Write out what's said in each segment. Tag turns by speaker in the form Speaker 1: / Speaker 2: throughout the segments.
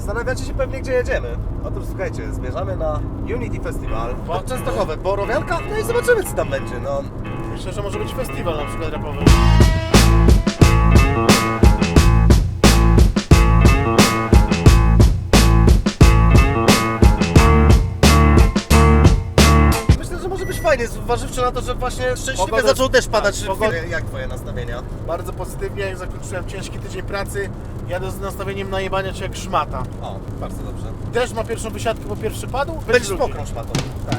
Speaker 1: Zastanawiacie się pewnie, gdzie jedziemy. Otóż słuchajcie, zmierzamy na Unity Festival w Częstochowie, Borowianka, no i zobaczymy, co tam będzie, no.
Speaker 2: Myślę, że może być festiwal na przykład rapowy.
Speaker 1: Myślę, że może być fajnie, zważywszy na to, że właśnie szczęśliwie
Speaker 2: Pogoda-
Speaker 1: zaczął deszcz padać.
Speaker 2: tak, pogoda-
Speaker 1: Jak twoje nastawienia?
Speaker 2: Bardzo pozytywnie, jak zakończyłem ciężki tydzień pracy, jadę z nastawieniem najebania cię jak szmata.
Speaker 1: O, bardzo dobrze.
Speaker 2: Deszcz ma pierwszą wysiadkę, bo pierwszy padł.
Speaker 1: Będziesz
Speaker 2: drugi.
Speaker 1: mokrą szmatą.
Speaker 2: Tak.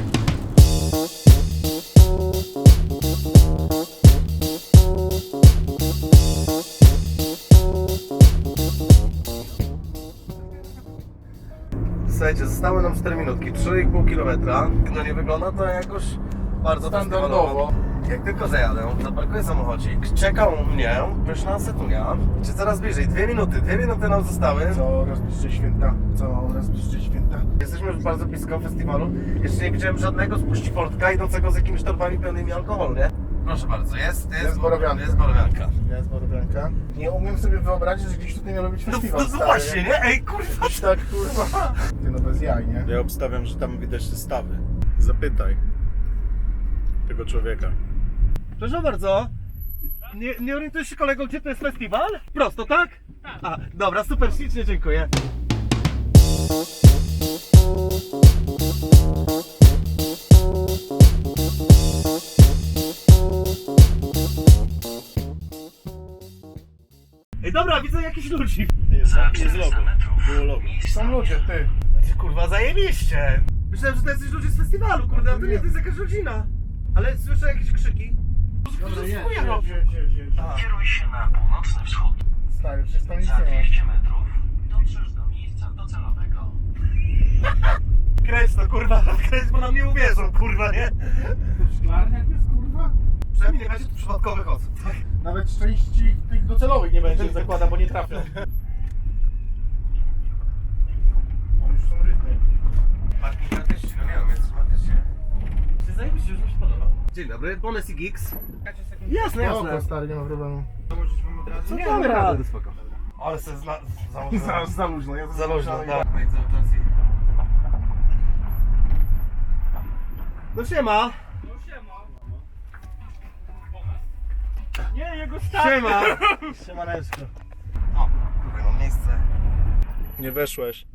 Speaker 1: Słuchajcie, zostały nam 4 minutki, 3,5 km. No nie wygląda to jakoś bardzo
Speaker 2: Standardowo.
Speaker 1: festiwalowo. Jak tylko zajadę, zaparkuję samochodzik, czeka u mnie pyszna setunia. Czy coraz bliżej? 2 minuty nam zostały.
Speaker 2: Coraz bliżej święta, coraz bliżej święta.
Speaker 1: Jesteśmy już bardzo blisko festiwalu. Jeszcze nie widziałem żadnego spuściportka idącego z jakimiś torbami pełnymi alkoholu, nie? Proszę bardzo, jest
Speaker 2: Borowianka.
Speaker 1: Jest Borowianka.
Speaker 2: Jest Borowianka. Nie umiem sobie wyobrazić, że gdzieś tutaj miał być festiwal.
Speaker 1: No
Speaker 2: stary,
Speaker 1: właśnie, nie? Ej, kurwa!
Speaker 2: Gdzieś tak, kurwa. Ty no bez jaj, nie?
Speaker 3: Ja obstawiam, że tam widać zestawy. Zapytaj tego człowieka.
Speaker 1: Proszę bardzo. Nie orientujesz się, kolego, gdzie to jest festiwal? Prosto, tak? A, dobra, super, ślicznie dziękuję. Ej, dobra, widzę jakichś ludzi.
Speaker 3: Jest logo. Było logo.
Speaker 2: Są ludzie, ty.
Speaker 1: Kurwa, zajebiście. Myślałem, że to jacyś ludzie z festiwalu, kurde, a to nie, to jest jakaś rodzina. Ale słyszę jakieś krzyki.
Speaker 2: Dobra,
Speaker 1: Którzy
Speaker 2: jedź,
Speaker 1: chuja
Speaker 2: jedź,
Speaker 1: robią.
Speaker 2: jedź.
Speaker 1: A.
Speaker 4: Kieruj się na północny wschód.
Speaker 2: Stary, przecież tam nic
Speaker 4: Za
Speaker 2: nie ma.
Speaker 4: 200 metrów dotrzesz do miejsca docelowego.
Speaker 1: Kręć to, kurwa, kręć, bo nam nie uwierzą, kurwa, nie?
Speaker 2: Szklarniak jest, kurwa?
Speaker 1: Przynajmniej nie będzie tu przypadkowych osób.
Speaker 2: Nawet części tych docelowych nie będzie, zakładam, bo nie trafią. O, już są rytmy.
Speaker 1: Parking artyści, no nie wiem, jest artyści. Czy zajebiście, już mi się podoba. Dzień dobry, Bones i Geeks. Jasne,
Speaker 2: Spoko,
Speaker 1: jasne.
Speaker 2: stary, nie ma problemu.
Speaker 1: Co nie, mamy radę, spoko. Ale se założyłem.
Speaker 2: Za luźno, ja
Speaker 1: Za luźno,
Speaker 2: dalej.
Speaker 1: tak. No siema.
Speaker 2: Nie, jego stary.
Speaker 1: Siema.
Speaker 2: Siemaneczko.
Speaker 1: O, tutaj mam miejsce.
Speaker 3: Nie weszłeś.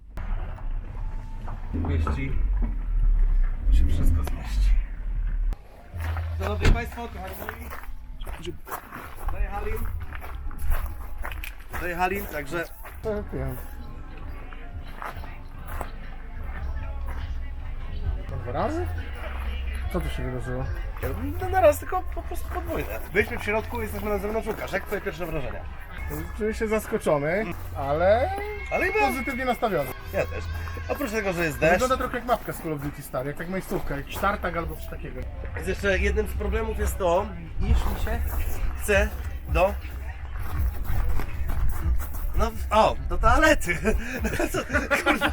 Speaker 1: Mieści. Się wszystko zmieści. Szanowni Państwo, kochani moi. Dojechali, także
Speaker 2: To 2 razy? Co tu się wydarzyło?
Speaker 1: no na raz tylko po prostu podwójne. Byliśmy w środku, jesteśmy na zewnątrz. Łukasz, jak twoje pierwsze wrażenia?
Speaker 2: Czuję się zaskoczony, ale
Speaker 1: Ale chyba
Speaker 2: pozytywnie nastawiony.
Speaker 1: ja też. Oprócz tego, że jest deszcz,
Speaker 2: Wygląda trochę jak mapka z Call of Duty, stary, jak tak miejscówka, jakiś tartak albo coś takiego.
Speaker 1: jest jeszcze jednym z problemów jest to, iż mi się chce do... No, o, do toalety. Co, kurwa.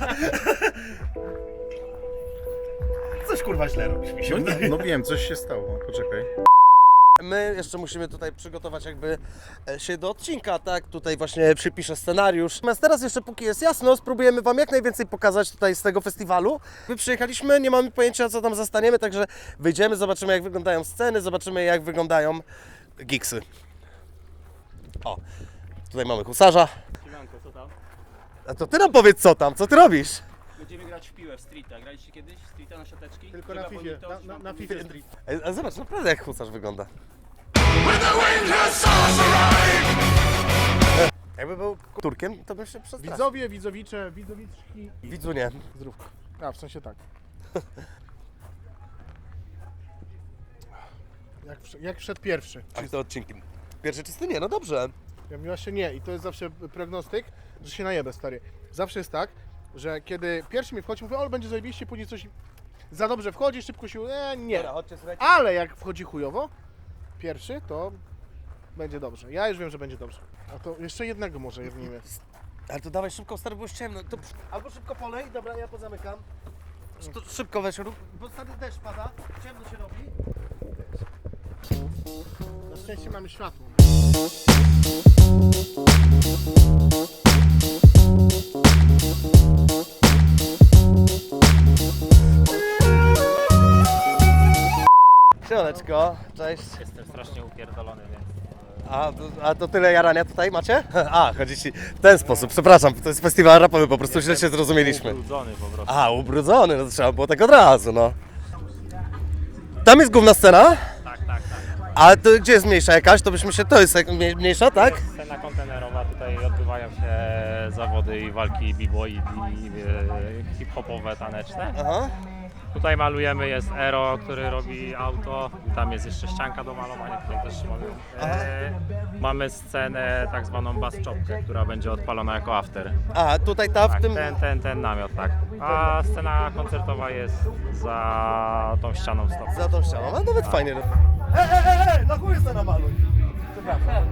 Speaker 1: Coś kurwa źle robisz, mi się
Speaker 3: No,
Speaker 1: wydaje.
Speaker 3: no wiem, coś się stało. Poczekaj.
Speaker 1: My jeszcze musimy tutaj przygotować jakby się do odcinka, tak? Tutaj właśnie przypiszę scenariusz. Natomiast teraz jeszcze póki jest jasno, spróbujemy Wam jak najwięcej pokazać tutaj z tego festiwalu. My przyjechaliśmy, nie mamy pojęcia co tam zastaniemy, także wyjdziemy, zobaczymy jak wyglądają sceny, zobaczymy jak wyglądają gigsy. O, tutaj mamy husarza.
Speaker 5: Siemanko, co tam?
Speaker 1: A to Ty nam powiedz co tam, co Ty robisz?
Speaker 5: Będziemy grać w piłę w streeta. Graliście kiedyś w streeta na siateczki?
Speaker 2: Tylko na FIFA, na FIFA Street.
Speaker 1: A zobacz, naprawdę jak husarz wygląda. Jakby był Turkiem, to bym się przestraszył.
Speaker 2: Widzowie, widzowicze, widzowiczki.
Speaker 1: Widzu nie.
Speaker 2: Zdrówko. A, w sensie tak. Jak wszedł pierwszy.
Speaker 1: A to odcinki. Pierwszy czysty nie, no dobrze.
Speaker 2: Ja mówiła się nie i to jest zawsze prognostyk, że się najebę, stary. Zawsze jest tak, że kiedy pierwszy mi wchodzi, mówię, o, będzie zajebiście, później coś za dobrze wchodzi, szybko się, nie.
Speaker 1: Dobra, chodźcie, słuchajcie.
Speaker 2: Ale jak wchodzi chujowo, pierwszy, to będzie dobrze. Ja już wiem, że będzie dobrze. A to jeszcze jednego może jebnijmy.
Speaker 1: Ale to dawaj szybko, stary, bo już ciemno. To albo szybko polej, dobra, ja pozamykam. To szybko weź, bo stary deszcz pada, ciemno się robi.
Speaker 2: Na szczęście mamy światło.
Speaker 1: Siemaneczko, cześć.
Speaker 6: Jestem strasznie upierdolony, więc...
Speaker 1: A to tyle jarania tutaj macie? A, chodzi ci w ten sposób, przepraszam, to jest festiwal rapowy, po prostu źle się zrozumieliśmy.
Speaker 6: Ubrudzony po prostu.
Speaker 1: A, ubrudzony, no to trzeba było tak od razu, no. Tam jest główna scena,
Speaker 6: Tak.
Speaker 1: a to gdzie jest mniejsza jakaś? To byśmy się, to jest mniejsza, tak?
Speaker 6: Scena kontenerowa, tutaj odbywają się zawody i walki b-boy i hip-hopowe, taneczne.
Speaker 1: Aha.
Speaker 6: Tutaj malujemy, jest Ero, który robi auto, tam jest jeszcze ścianka do malowania, tutaj też mamy scenę tak zwaną bass chopkę, która będzie odpalona jako after.
Speaker 1: A, tutaj ta w
Speaker 6: Tak,
Speaker 1: tym...
Speaker 6: ten namiot, tak. A scena koncertowa jest za tą ścianą stop.
Speaker 1: Za tą ścianą, a nawet fajnie. Na chuj se namaluj. Przepraszam,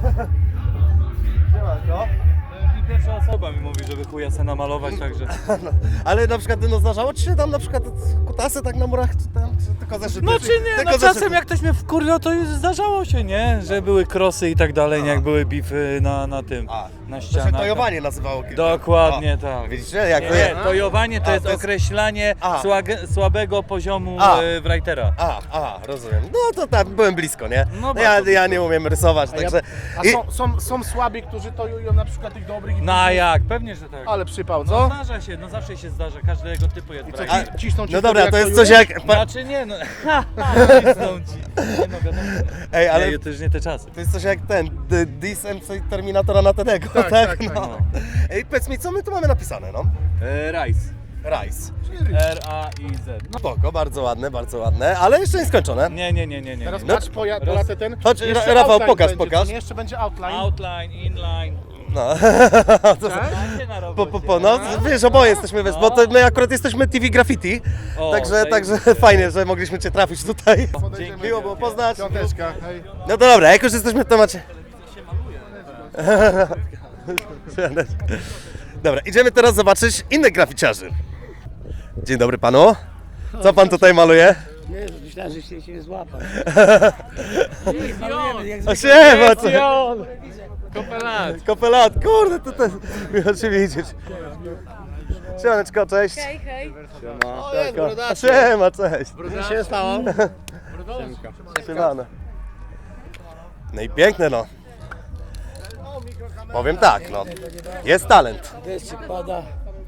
Speaker 1: Siemanko.
Speaker 7: Pierwsza osoba mi mówi, żeby chuja se namalować, także...
Speaker 1: Ale na przykład, no zdarzało ci się tam na przykład kutasy tak na murach, czy tam, czy tylko zeszyty?
Speaker 7: No czy nie,
Speaker 1: Tylko
Speaker 7: no
Speaker 1: zeszyty?
Speaker 7: czasem jak ktoś mnie wkurwiał, to już zdarzało się, nie? Że były krosy i tak dalej, nie? Jak były bify na tym, na
Speaker 1: To się
Speaker 7: ścianach.
Speaker 1: tojowanie nazywało kiedyś.
Speaker 7: Dokładnie
Speaker 1: O,
Speaker 7: tak.
Speaker 1: Widzicie, jak to
Speaker 7: Nie,
Speaker 1: jest?
Speaker 7: tojowanie to
Speaker 1: A,
Speaker 7: jest
Speaker 1: to jest-
Speaker 7: określanie
Speaker 1: A.
Speaker 7: słabego poziomu writera.
Speaker 1: Rozumiem. No to tak, byłem blisko, nie?
Speaker 7: No
Speaker 1: ja,
Speaker 7: bardzo
Speaker 1: ja nie umiem rysować, także...
Speaker 2: są słabi, którzy tojują na przykład tych dobrych i
Speaker 7: No a jak? Pewnie, że tak.
Speaker 2: Ale przypał,
Speaker 7: No
Speaker 2: co?
Speaker 7: zdarza się, no zawsze się zdarza, każdego typu jest
Speaker 2: I co,
Speaker 7: writer.
Speaker 2: cisną cię
Speaker 1: No
Speaker 2: wtedy,
Speaker 1: dobra,
Speaker 2: jak
Speaker 1: to jest
Speaker 2: tojujesz?
Speaker 1: coś jak...
Speaker 7: Znaczy nie, no... Cisną ci. Nie no wiadomo.
Speaker 1: Ej, ale
Speaker 7: Nie, to już nie te czasy.
Speaker 1: to jest coś jak ten, Dis MC Terminatora na Tedego,
Speaker 2: Tak, tak, tak,
Speaker 1: No.
Speaker 7: no.
Speaker 1: Ej, powiedz mi, co my tu mamy napisane, no?
Speaker 7: Rice.
Speaker 1: Rice.
Speaker 7: R-A-I-Z. No.
Speaker 1: Spoko, bardzo ładne, ale jeszcze nie skończone.
Speaker 7: Nie.
Speaker 2: Teraz
Speaker 1: No,
Speaker 2: patrz, polatę ten.
Speaker 1: Chodź,
Speaker 2: Jeszcze
Speaker 1: Rafał,
Speaker 2: outline
Speaker 1: pokaż,
Speaker 2: będzie,
Speaker 1: pokaż.
Speaker 2: co nie? Jeszcze będzie outline.
Speaker 7: Outline, inline.
Speaker 1: No.
Speaker 7: Macie na robocie.
Speaker 1: No, wiesz, oboje jesteśmy, wiesz, bo to my akurat jesteśmy TV Graffiti,
Speaker 7: O,
Speaker 1: także
Speaker 7: zajebiście.
Speaker 1: fajnie, że mogliśmy Cię trafić tutaj.
Speaker 2: Dzięki.
Speaker 1: Miło było poznać.
Speaker 2: Piąteczka, hej.
Speaker 1: No to dobra, jak już jesteśmy w temacie... Dobra, idziemy teraz zobaczyć innych graficiarzy. Dzień dobry panu. Co pan tutaj maluje?
Speaker 8: Jezu, myślałem, że się złapać. Nie, malujemy jak
Speaker 1: O
Speaker 8: zwykle.
Speaker 1: siema, co?
Speaker 7: Kopelat.
Speaker 1: Kopelat, kurde, to miło Cię widzieć. Siemaneczko, cześć.
Speaker 9: Hej, hej.
Speaker 1: Siema, cześć.
Speaker 2: Co się stało?
Speaker 1: Siemano. No i piękne, no. Powiem tak, no. Jest talent.
Speaker 8: Deszczyk pada.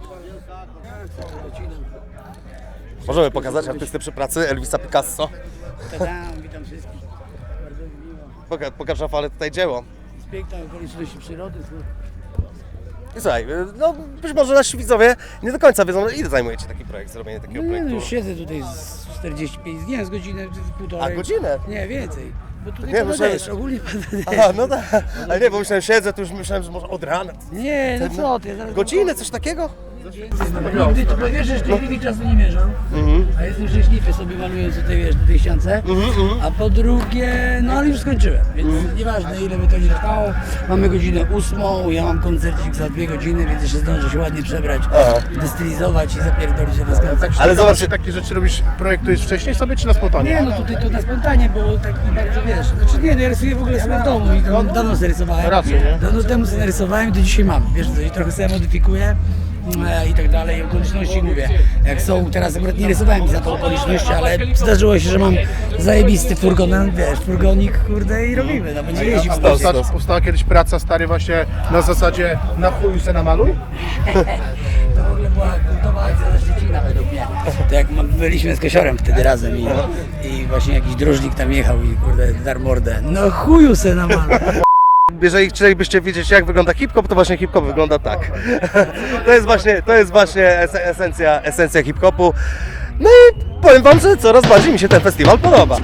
Speaker 1: Możemy pokazać artystę przy pracy, Elvisa Picasso.
Speaker 8: Tadam, witam wszystkich. Bardzo mi miło.
Speaker 1: Pokaż Rafale tutaj dzieło.
Speaker 8: Z pięknej okoliczności przyrody.
Speaker 1: I słuchaj, no być może nasi widzowie nie do końca wiedzą, ile zajmuje Ci taki projekt, zrobienie takiego
Speaker 8: No nie, no
Speaker 1: projektu.
Speaker 8: już siedzę tutaj z 45 dni, z godzinę, półtorej.
Speaker 1: A, godzinę?
Speaker 8: Nie, więcej. Bo tutaj
Speaker 1: Nie,
Speaker 8: pada
Speaker 1: myślałem,
Speaker 8: deszcz, ogólnie pada deszcz.
Speaker 1: Aha, no tak. Ale nie, bo myślałem, siedzę, to już myślałem, że może od rana.
Speaker 8: Nie, no co ty. zaraz-
Speaker 1: Godzinę, coś takiego?
Speaker 8: Nigdy tu powiesz, że w tej chwili czasu nie mierzą, a jestem szczęśliwy sobie malując tutaj, wiesz, na tej ściance, a po drugie, no ale już skończyłem, więc nieważne ile by to nie trwało, mamy godzinę 8, ja mam koncercik za 2 godziny, więc jeszcze zdążę się ładnie przebrać, destylizować i zapierdolić się na skręcach.
Speaker 1: Ale zobacz,
Speaker 2: Czy takie rzeczy robisz, projektujesz wcześniej sobie, czy na spontanie?
Speaker 8: Nie, no tutaj to na spontanie, bo tak nie bardzo wiesz, znaczy nie, no ja rysuję w ogóle sobie w domu i to dawno sobie rysowałem,
Speaker 2: Raczej, nie?
Speaker 8: dawno temu sobie narysowałem i do dzisiaj mam, wiesz co, i trochę sobie modyfikuję i tak dalej, i okoliczności mówię, jak są, teraz akurat nie rysowałem za tą okoliczności, ale zdarzyło się, że mam zajebisty furgon, wiesz, furgonik, kurde i robimy, no będzie jeździł.
Speaker 2: Powstała kiedyś praca, stary, właśnie na zasadzie na chuju se namaluj?
Speaker 8: To w ogóle była kultowa akcja ze Szczecina według mnie. To jak byliśmy z Kosiorem wtedy razem i właśnie jakiś drożnik tam jechał i kurde dar mordę. No chuju se namaluj.
Speaker 1: jeżeli chcielibyście wiedzieć, jak wygląda hip-hop, to właśnie hip-hop wygląda tak. To jest właśnie esencja hip-hopu. No i powiem wam, że coraz bardziej mi się ten festiwal podoba.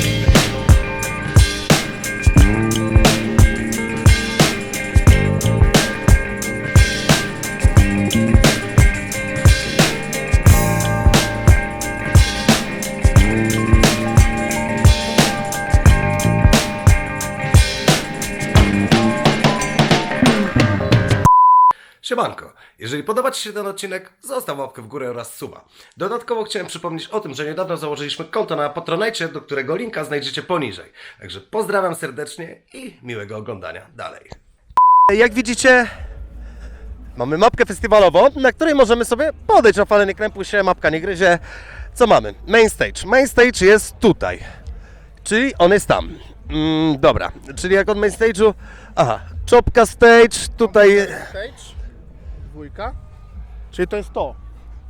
Speaker 1: Siemanko, jeżeli podoba Ci się ten odcinek, zostaw łapkę w górę oraz suba. Dodatkowo chciałem przypomnieć o tym, że niedawno założyliśmy konto na Patronite, do którego linka znajdziecie poniżej. Także pozdrawiam serdecznie i miłego oglądania dalej. Jak widzicie, mamy mapkę festiwalową, na której możemy sobie podejść. Rafale, nie krępuj się, mapka nie gryzie. Co mamy? Main stage. Main stage jest tutaj. Czyli on jest tam. Dobra, czyli jak od main stage'u... Aha, czopka stage, tutaj...
Speaker 2: Stage, dwójka, czyli to jest to.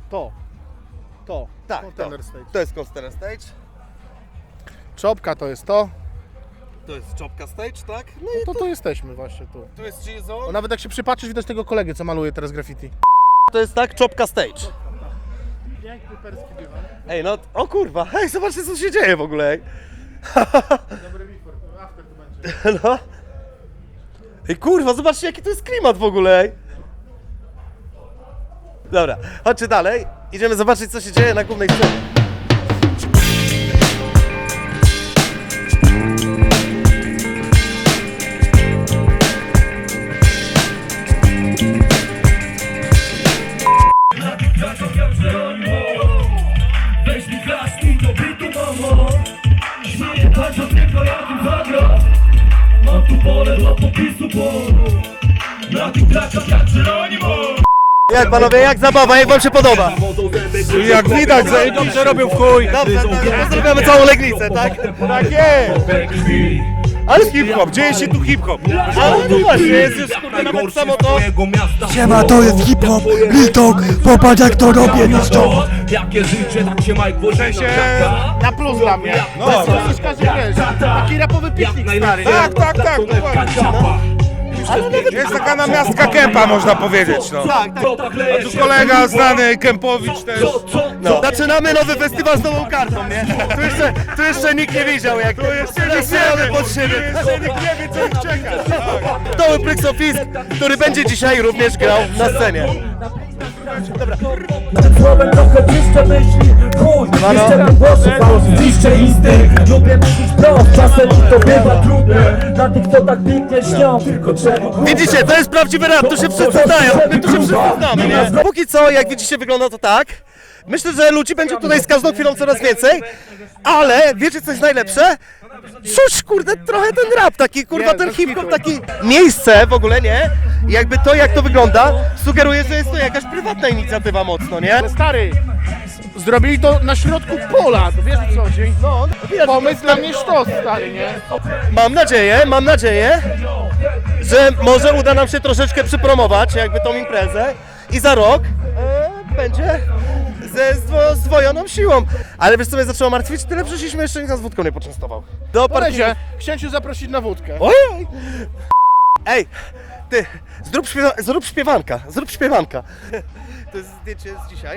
Speaker 1: Tak,
Speaker 2: Container stage.
Speaker 1: to jest container stage.
Speaker 2: Czopka to jest to.
Speaker 1: To jest czopka stage, tak? No i
Speaker 2: To tu jesteśmy właśnie tu.
Speaker 1: tu jest chill
Speaker 2: O,
Speaker 1: zone.
Speaker 2: nawet jak się przypatrzysz, widać tego kolegę, co maluje teraz graffiti.
Speaker 1: To jest tak, czopka stage.
Speaker 2: Piękny perski dywan.
Speaker 1: Ej, no, o kurwa, hej, zobaczcie co się dzieje w ogóle, ej.
Speaker 2: Dobry before, after to będzie.
Speaker 1: No. Ej, kurwa, zobaczcie jaki to jest klimat w ogóle, ej. Dobra, chodźcie dalej. Idziemy zobaczyć co się dzieje na głównej scenie.
Speaker 9: Weź mi klaski do bitu, mamo. Śmieję patrz od niego jak im zagra. Mam tu pole dla popisu, bo na tych trakach jak Geronimo.
Speaker 1: Jak panowie, jak zabawa, jak wam się podoba?
Speaker 3: Jak widać, zajebiście robią w chuj.
Speaker 1: Dobrze, pozdrawiamy całą Legnicę, tak?
Speaker 3: Tak jest.
Speaker 1: Ale
Speaker 3: Hip-hop, dzieje się tu hip-hop.
Speaker 1: Ale no właśnie, jest już kurde nawet samo to.
Speaker 9: Siema, to jest hip-hop, Litok, popatrz jak to robię, niszczą. Jakie życie, tak się Mike Boże się
Speaker 2: Na plus dla mnie.
Speaker 3: No,
Speaker 2: To jest każdy wiesz, taki rapowy piknik stary.
Speaker 3: Tak, dokładnie. Jest taka namiastka kępa, można powiedzieć, no.
Speaker 1: Tak, tak.
Speaker 3: A tu kolega znany, Kępowicz też.
Speaker 1: No. Zaczynamy nowy festiwal z nową kartą, nie? Tu jeszcze nikt nie widział jak to jest. Teraz pod siebie.
Speaker 3: Jeszcze nikt nie wie, co ich czeka.
Speaker 1: Doły Pryxofisk, który będzie dzisiaj również grał na scenie.
Speaker 9: Słowem trochę czyszczę myśli, chuj, jeszcze raz głosów, ziszczę instynkt. Lubię mówić prost, czasem to bywa trudne. Dla tych, co tak pięknie śnią, tylko trzeba.
Speaker 1: Widzicie, to jest prawdziwy rap, tu się wszyscy znają, my tu się wszyscy znamy, nie? Póki co, jak widzicie, wygląda to tak. Myślę, że ludzi będzie tutaj z każdą chwilą coraz więcej, ale wiecie co jest najlepsze? Czuć, kurde, trochę ten rap taki, kurwa,
Speaker 2: Nie,
Speaker 1: ten
Speaker 2: bez
Speaker 1: hip-hop
Speaker 2: kitu.
Speaker 1: taki. Miejsce w ogóle, nie? Jakby to, jak to wygląda, sugeruje, że jest to jakaś prywatna inicjatywa mocno, nie?
Speaker 2: Ale stary, zrobili to na środku pola, to wiesz o co chodzi?
Speaker 1: No,
Speaker 2: Pomysł dla mnie sztos, stary, nie?
Speaker 1: mam nadzieję, że może uda nam się troszeczkę przypromować jakby tą imprezę i za rok będzie ze zdwojoną siłą. Ale wiesz co mnie zaczęło martwić? Tyle przyszliśmy, jeszcze nikt nas wódką nie poczęstował. Do
Speaker 2: Polezie, chciałem cię zaprosić na wódkę.
Speaker 1: Ojej! Ej, ty, zrób śpiewanka. To jest zdjęcie z dzisiaj.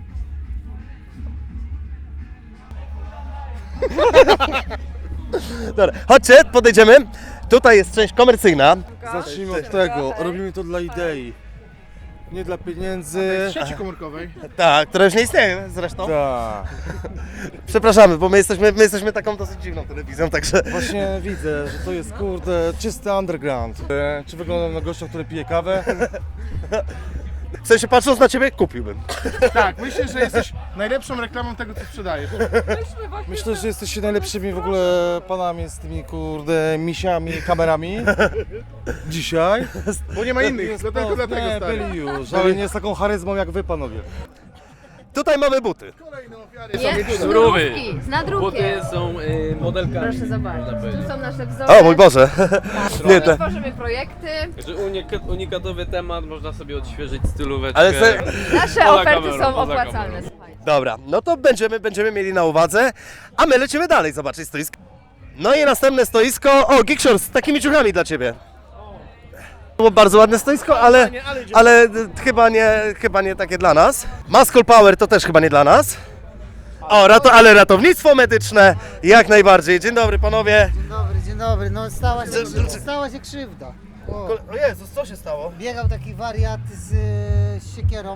Speaker 1: Dobra, chodźcie, podejdziemy. Tutaj jest część komercyjna.
Speaker 10: Zacznijmy od tego, robimy to dla idei, nie dla pieniędzy.
Speaker 2: W sieci komórkowej.
Speaker 1: Tak, która już nie istnieje zresztą.
Speaker 10: Tak,
Speaker 1: Przepraszamy, bo my jesteśmy taką dosyć dziwną telewizją, także...
Speaker 10: właśnie widzę, że to jest kurde czysty underground. Czy wyglądam na gościa, który pije kawę?
Speaker 1: W sensie patrząc na ciebie, kupiłbym.
Speaker 2: Tak, myślę, że jesteś najlepszą reklamą tego, co sprzedajesz.
Speaker 10: Myślę, że jesteście najlepszymi w ogóle panami z tymi kurde misiami, kamerami. Dzisiaj.
Speaker 2: Bo nie ma innych,
Speaker 10: Jest
Speaker 2: dlatego
Speaker 10: nie,
Speaker 2: stary.
Speaker 10: byli już, ale nie z taką charyzmą jak wy panowie.
Speaker 1: Tutaj mamy buty.
Speaker 2: Kolejne ofiary są
Speaker 11: Jest
Speaker 2: tutaj.
Speaker 11: zdrówy. Z nadrukiem.
Speaker 5: Buty są modelkami.
Speaker 11: Proszę zobaczyć. Tu są nasze wzory.
Speaker 1: O mój Boże. Nie,
Speaker 11: Tu
Speaker 1: te...
Speaker 11: tworzymy projekty.
Speaker 5: Unikatowy temat, można sobie odświeżyć stylóweczkę.
Speaker 1: Ale
Speaker 11: Nasze
Speaker 5: Poza
Speaker 11: oferty
Speaker 5: kamerą,
Speaker 11: są
Speaker 5: poza
Speaker 11: opłacalne.
Speaker 5: kamerą.
Speaker 11: Słuchaj.
Speaker 1: Dobra, no to będziemy mieli na uwadze, a my lecimy dalej zobaczyć stoisko. No i następne stoisko, o Geekshore z takimi ciuchami dla Ciebie. Było bardzo ładne stoisko, ale chyba nie takie dla nas. Muscle Power to też chyba nie dla nas. O, ale ratownictwo medyczne jak najbardziej. Dzień dobry panowie.
Speaker 12: Dzień dobry, no stała się krzywda.
Speaker 1: O Jezus, co się stało?
Speaker 12: Biegał taki wariat z siekierą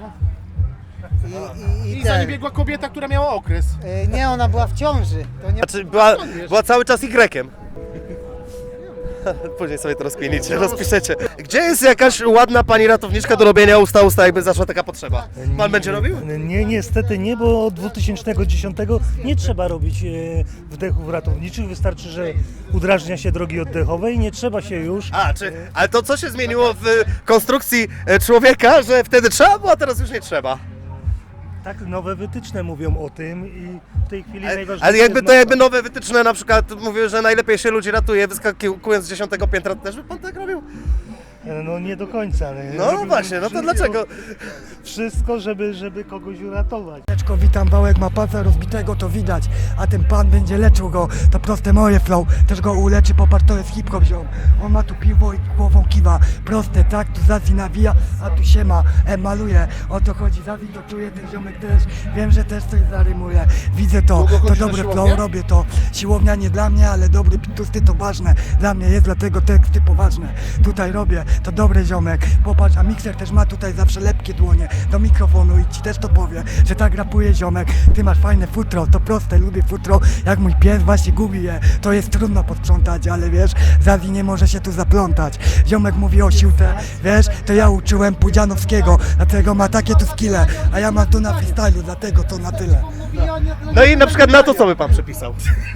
Speaker 2: I za nim biegła kobieta, która miała okres.
Speaker 12: Nie, ona była w ciąży. To nie...
Speaker 1: Znaczy była cały czas Y. Później sobie to rozkminicie, rozpiszecie. Gdzie jest jakaś ładna pani ratowniczka do robienia usta, jakby zaszła taka potrzeba? Pan będzie robił?
Speaker 13: Nie, niestety nie, bo od 2010 nie trzeba robić wdechów ratowniczych, wystarczy, że udrażnia się drogi oddechowe i nie trzeba się już...
Speaker 1: Ale to co się zmieniło w konstrukcji człowieka, że wtedy trzeba było, a teraz już nie trzeba?
Speaker 13: Tak, nowe wytyczne mówią o tym i w tej chwili najważniejsze
Speaker 1: Ale jakby
Speaker 13: jest
Speaker 1: to jakby nowe wytyczne na przykład mówiły, że najlepiej się ludzi ratuje wyskakując z 10 piętra, to też by pan tak robił?
Speaker 13: No nie do końca, ale...
Speaker 1: No
Speaker 13: robiłbym
Speaker 1: właśnie, no to dlaczego?
Speaker 13: Wszystko, żeby kogoś uratować.
Speaker 8: Witam, Wałek ma palca rozbitego, to widać, a ten pan będzie leczył go, to proste moje flow, też go uleczy, popatrz, to jest hip-hop ziom. On ma tu piwo i głową kiwa, proste, tak, tu Zazi nawija, a tu siema, maluje, o to chodzi, Zazi to czuje, ten ziomek też, wiem, że też coś zarymuje, widzę to,
Speaker 2: Długo
Speaker 8: to
Speaker 2: chodzisz na
Speaker 8: dobre
Speaker 2: siłownię?
Speaker 8: flow, robię to, siłownia nie dla mnie, ale dobry pitusty to ważne, dla mnie jest, dlatego teksty poważne, tutaj robię, to dobry ziomek, popatrz, a mikser też ma tutaj zawsze lepkie dłonie do mikrofonu i ci też to powie, że tak rapuje ziomek, ty masz fajne futro, to proste, lubię futro, jak mój pies właśnie gubi je, to jest trudno posprzątać, ale wiesz, Zazi nie może się tu zaplątać, ziomek mówi o siłce, wiesz, to ja uczyłem Pudzianowskiego, dlatego ma takie tu skille, a ja mam tu na freestylu, dlatego to na tyle.
Speaker 1: No i na przykład na to, co by pan przepisał?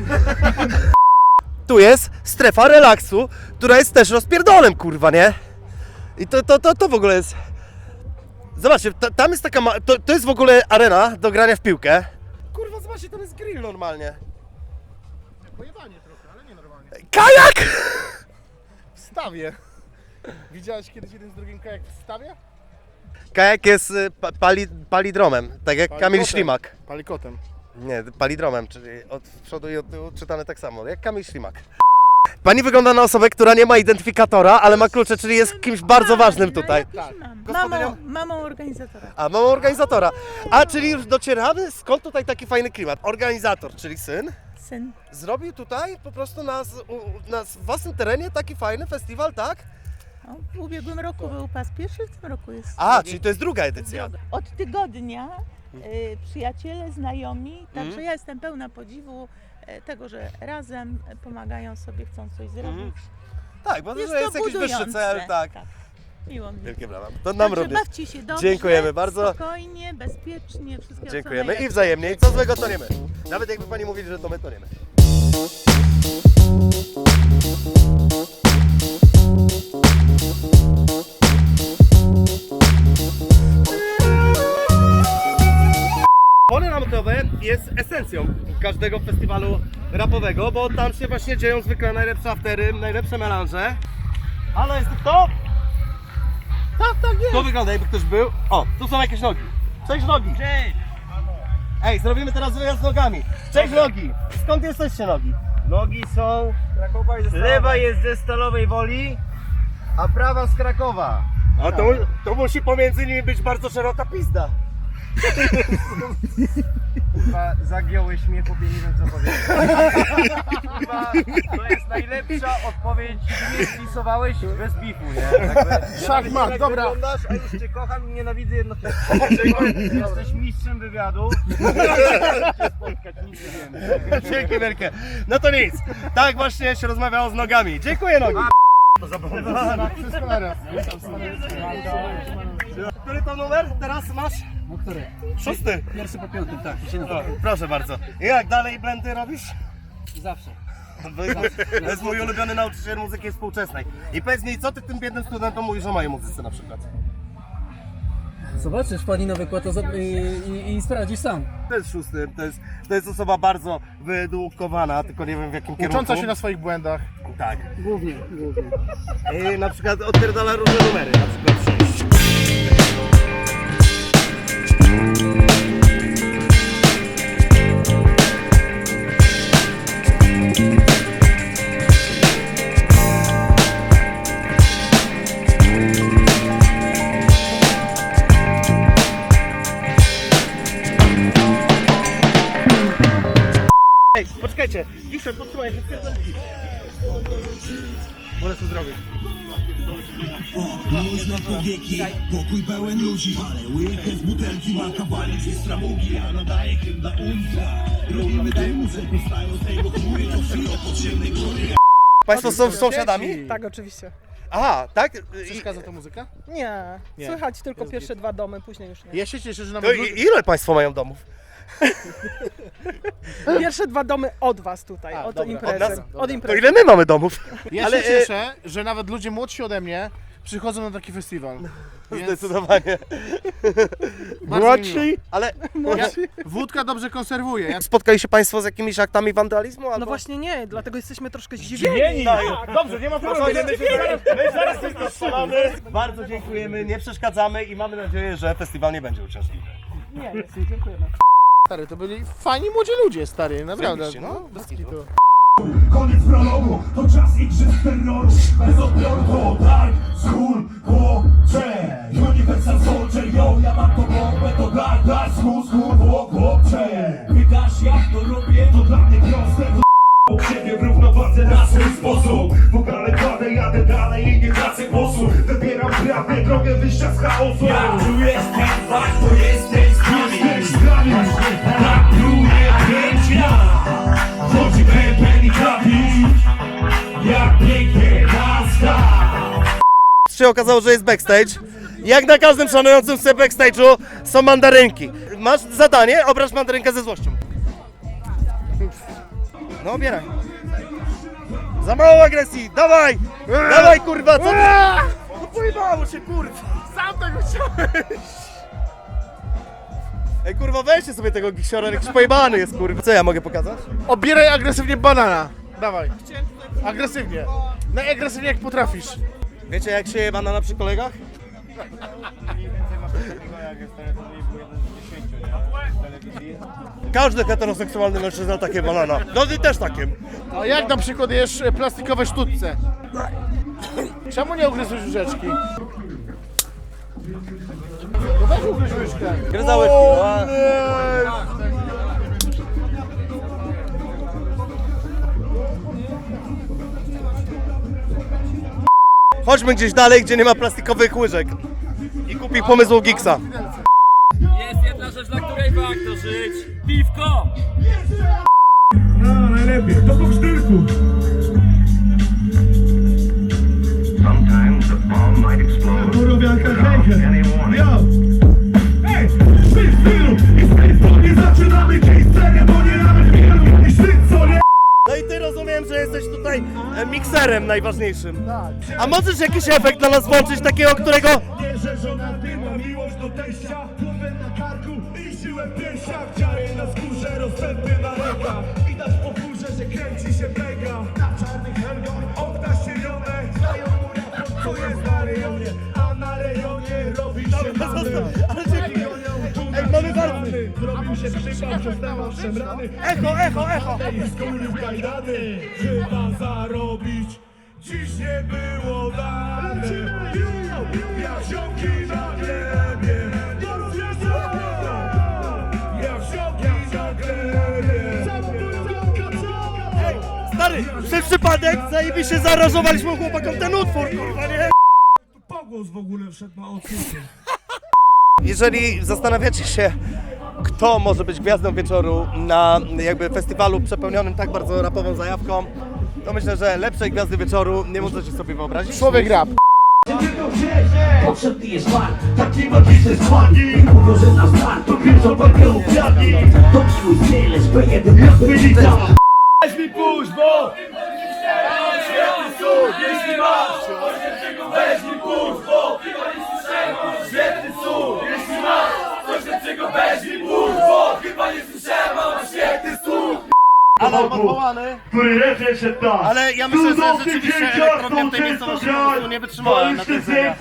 Speaker 1: Tu jest strefa relaksu, która jest też rozpierdolem, kurwa, nie? I to w ogóle jest... Zobaczcie, tam jest taka... To jest w ogóle arena do grania w piłkę. Kurwa, zobaczcie, tam jest grill normalnie.
Speaker 2: Pojebanie trochę, ale nie normalnie.
Speaker 1: Kajak!
Speaker 2: W stawie. Widziałeś kiedyś jeden z drugim kajak w stawie?
Speaker 1: Kajak jest palidromem, tak jak Kamil
Speaker 2: Palikotem.
Speaker 1: Ślimak.
Speaker 2: Palikotem.
Speaker 1: Nie, palidromem, czyli od przodu i od tyłu czytane tak samo, jak Kamil Ślimak. Pani wygląda na osobę, która nie ma identyfikatora, ale ma klucze, czyli jest kimś bardzo ważnym tutaj.
Speaker 2: Tak.
Speaker 14: Mamą organizatora.
Speaker 1: A, mamą organizatora. A, czyli już docieramy, skąd tutaj taki fajny klimat? Organizator, czyli syn,
Speaker 14: Syn.
Speaker 1: zrobił tutaj po prostu na własnym terenie taki fajny festiwal, tak?
Speaker 14: No, w ubiegłym roku był pas pierwszy, w tym roku jest
Speaker 1: A,
Speaker 14: drugi.
Speaker 1: czyli to jest druga edycja.
Speaker 14: Od tygodnia przyjaciele, znajomi, także ja jestem pełna podziwu tego, że razem pomagają sobie, chcą coś zrobić.
Speaker 1: Tak, bo to
Speaker 14: Jest
Speaker 1: jest
Speaker 14: to
Speaker 1: jakiś wyższy
Speaker 14: budujące.
Speaker 1: cel, tak.
Speaker 14: Miło mi.
Speaker 1: Wielkie brawa. To nam
Speaker 14: Także
Speaker 1: również.
Speaker 14: bawcie się dobrze,
Speaker 1: Dziękujemy bardzo.
Speaker 14: spokojnie, bezpiecznie, wszystkiego co
Speaker 1: Dziękujemy i
Speaker 14: najlepsze.
Speaker 1: wzajemnie. I co złego to nie my. Nawet jakby pani mówili, że to my, to nie my. Pole namiotowe jest esencją każdego festiwalu rapowego, bo tam się właśnie dzieją zwykle najlepsze aftery, najlepsze melanże. Ale jest to? Tak jest. To wygląda jakby ktoś był. O, tu są jakieś nogi. Cześć nogi. Cześć. Ej, zrobimy teraz wyjazd z nogami. Cześć nogi. Skąd jesteście nogi?
Speaker 15: Nogi są, lewa jest ze Stalowej Woli, a prawa z Krakowa.
Speaker 1: A to musi pomiędzy nimi być bardzo szeroka pizda.
Speaker 15: Kurwa, zagiąłeś mnie, chłopie, nie wiem co powiedzieć. Kurwa, to jest najlepsza odpowiedź, nie spisowałeś bez bifu, nie? Jakby,
Speaker 2: Szachmat, dobra.
Speaker 15: Wyglądasz, a już cię kocham i nienawidzę jednocześnie. Jesteś mistrzem wywiadu. Cię spotkać, nic nie wiemy.
Speaker 1: Dzięki wielkie. No to nic. Tak właśnie się rozmawiało z nogami. Dziękuję nogi.
Speaker 2: Wszystko naraz.
Speaker 1: Który to numer teraz masz?
Speaker 8: No który?
Speaker 1: 6.
Speaker 8: Pierwszy po piątym, tak.
Speaker 1: O, proszę bardzo. I jak dalej blendy robisz?
Speaker 8: Zawsze.
Speaker 1: To jest mój ulubiony nauczyciel muzyki współczesnej. I powiedz mi, co ty tym biednym studentom mówisz o mojej muzyce na przykład?
Speaker 8: Zobaczysz pani na wykład i sprawdzisz sam.
Speaker 1: To jest 6. To jest osoba bardzo wyedukowana, tylko nie wiem w jakim kierunku.
Speaker 2: Ucząca się na swoich błędach.
Speaker 1: Tak.
Speaker 8: Głównie.
Speaker 1: I na przykład odpierdala różne numery, na przykład 6. Ej, poczekajcie, Wiszer, podtrzymaj się. Wolę to zrobić.
Speaker 9: Można powieki, pokój pełen ludzi, ale łykę z butelki ma kawałek z stramugi, a nadaje hymn dla ultra. Robimy tę muzykę, stają z tego chmury, to wsi o podziemnej góry.
Speaker 1: Państwo są sąsiadami?
Speaker 16: Tak, oczywiście.
Speaker 1: Aha, tak?
Speaker 2: Przeszkadza ta muzyka?
Speaker 16: Nie,
Speaker 2: Nie.
Speaker 16: słychać tylko
Speaker 2: Jest
Speaker 16: pierwsze 2 domy, później już nie.
Speaker 2: Ja się cieszę, że
Speaker 1: To
Speaker 2: nawet...
Speaker 1: ile państwo mają domów?
Speaker 16: Pierwsze 2 domy od was tutaj, od
Speaker 2: dobra,
Speaker 16: imprezy.
Speaker 2: od nas?
Speaker 16: Od
Speaker 1: To
Speaker 16: imprezy.
Speaker 1: ile my mamy domów?
Speaker 2: Ja
Speaker 1: Ale,
Speaker 2: się cieszę, że nawet ludzie młodsi ode mnie przychodzą na taki festiwal.
Speaker 1: Zdecydowanie.
Speaker 2: Bardzo
Speaker 1: Młodsi, ale...
Speaker 2: Wódka dobrze konserwuje.
Speaker 1: Spotkali się Państwo z jakimiś aktami wandalizmu? Albo...
Speaker 16: No właśnie nie, dlatego jesteśmy troszkę zdziwieni.
Speaker 1: Tak, dobrze, nie ma problemu. My zaraz coś strzelamy. Bardzo dziękujemy, nie przeszkadzamy i mamy nadzieję, że festiwal nie będzie uciążliwy.
Speaker 16: Nie, dziękujemy.
Speaker 2: Stary, to byli fajni młodzi ludzie, stary, naprawdę.
Speaker 1: Zajebiście, no.
Speaker 2: Bez kitu.
Speaker 9: Koniec prologu, to czas igrzysk terroru. Bez odbioru to dark, school, chłopcze. Universal Soldier, yo, ja mam to bombę, to dark, school, chłopcze. Pytasz jak to robię, to dla mnie proste, to siebie w równowadze na swój sposób. W ogóle kładę, jadę dalej i nie tracę głosu. Wybieram prawdę, drogę wyjścia z chaosu. Jak tu jesteś, to jesteś z nami. Tak pluje pięcia. Chodzi pełen i trafić, jak pięknie nasta.
Speaker 1: Się okazało, że jest backstage. Jak na każdym szanującym sobie backstage'u są mandarynki. Masz zadanie, obraź mandarynkę ze złością. No obieraj. Za mało agresji, dawaj! Dawaj kurwa, co ty? No pojebało się kurwa.
Speaker 2: Sam tego chciałem.
Speaker 1: Ej kurwa, weźcie sobie tego gisiora, jakiś pojebany jest kurwa. Co ja mogę pokazać?
Speaker 2: Obieraj agresywnie banana. Dawaj. Agresywnie. Najagresywnie jak potrafisz.
Speaker 1: Wiecie jak się je banana przy kolegach? Każdy heteroseksualny mężczyzna takie banana. No ty też takim.
Speaker 2: A jak na przykład jesz plastikowe sztućce? Czemu nie ugryzłeś łyżeczki? No weź ugryź łyżkę.
Speaker 1: Gryzałeś Chodźmy gdzieś dalej, gdzie nie ma plastikowych łyżek. I kupi pomysł Giggsa.
Speaker 5: Jest jedna rzecz, dla której warto żyć. Piwko!
Speaker 9: No, najlepiej, to po sztylku.
Speaker 4: Sometimes a bomb might explode
Speaker 9: Borowianka
Speaker 4: without
Speaker 9: hejkę.
Speaker 4: any warning.
Speaker 9: Yo! Ej, w tym stylu i w tej formie zaczynamy dziś scenę, bo nie nawet wielu niż ty, co nie?
Speaker 1: No i ty rozumiem, że jesteś tutaj mikserem najważniejszym. A możesz jakiś efekt dla nas włączyć, takiego, którego...
Speaker 9: Nie, że żona dyma, miłość do teścia, głowę na karku i siłę w piersiach. Ciary na skórze, rozpędy na rękach. Widać po górze, że kręci się brega. Na czarnych helgach, okna ścienione. Znają mu raport, co jest na rejonie. A na rejonie robi się mamy.
Speaker 1: Ale dzięki. Ej, mamy walny.
Speaker 9: Zrobił się przypał przez temat szemrany.
Speaker 1: Echo.
Speaker 9: I skórył kajdany. Chyba zarobić dziś nie było dane. Jak ziomki na glebie. Jak ziomki na glebie.
Speaker 1: Stary, przez przypadek zajebiście zaaranżowaliśmy chłopakom ten utwór, kurwa, nie?
Speaker 9: Pogłos w ogóle wszedł na odcinku.
Speaker 1: Jeżeli zastanawiacie się, kto może być gwiazdą wieczoru na jakby festiwalu przepełnionym tak bardzo rapową zajawką, to myślę, że lepszej gwiazdy wieczoru nie możecie sobie wyobrazić.
Speaker 2: Człowiek rap.
Speaker 9: Potrzebny jest man, taki magiczny składnik. Mówią, że na start to pierwszą walkę ukradli. To miły styl, SP1 jak wylita. Weź mi puść, bo świetny cud, jeśli masz coś lepszego, weź mi puść, bo chyba nie słyszałem. Świetny cud, jeśli masz coś lepszego, weź mi puść, bo chyba nie słyszałem. Mam świetny cud.
Speaker 1: Alarm odwołany.
Speaker 9: Który leży się tam.
Speaker 1: Ale ja myślę, że rzeczywiście elektrownia w tej miejscowości po prostu nie wytrzymała na tej scenie.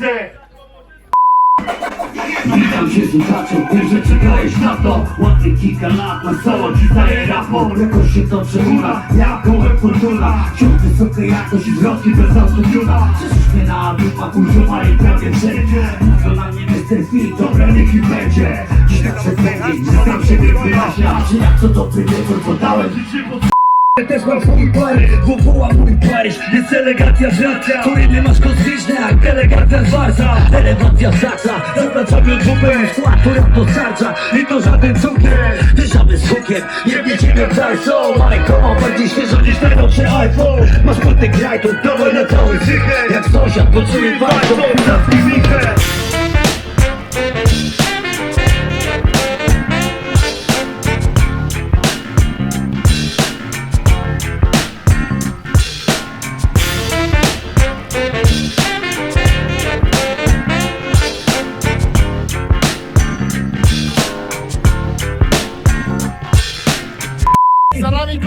Speaker 9: Witam się słuchaczom, tym, że czekałeś na to. Ładnie kilka lat na solo, gitarę rapą. Jakoś się to przemula, jak kołem fortuna. Wciąż wysoka jakość i zwrotki bez autotuna. Przecież mnie na dupach używali prawie wszędzie. Mówią na mnie Mr. Phil, dobre niech mi będzie. Dziś tak przepędzić, że sam siebie wyjaśnia. Czy jak co dobry wieczór podałem życie pod... Też mam swój Paryż, woła mój Paryż. Jest elegancja rzadka, który nie masz kosmiczny jak elegancja zwarta. Elegancja saksa, zaznaczamy dupę. Skład, która dostarcza i to żaden cukier. Dyszamy z hukiem, nie wiedziemy wcale co. Majko, bardziej świeżo niż najnowszy iPhone. Masz płyty graj, to dawaj na cały cykel. Jak sąsiad poczuje warto, zamknij mikrę.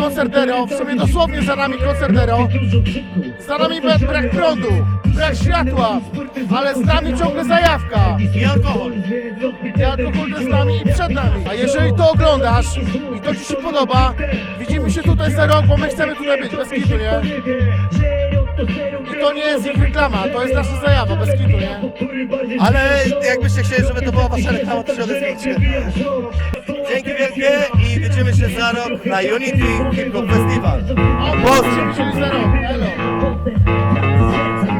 Speaker 2: koncert Ero, w sumie dosłownie za nami koncert Ero. Za nami brak prądu, brak światła, ale z nami ciągle zajawka. I alkohol. I alkohol jest z nami i przed nami. A jeżeli to oglądasz i to Ci się podoba, widzimy się tutaj za rok, bo my chcemy tutaj być, bez kitu, nie? I to nie jest ich reklama, to jest nasza zajawa, bez kitu, nie?
Speaker 1: Ale jakbyście chcieli, żeby to była wasza reklama, to się odezwijcie. Dzięki wielkie i widzimy się za rok na Unity Hip Hop Festival.
Speaker 2: O, widzimy się za rok, elo.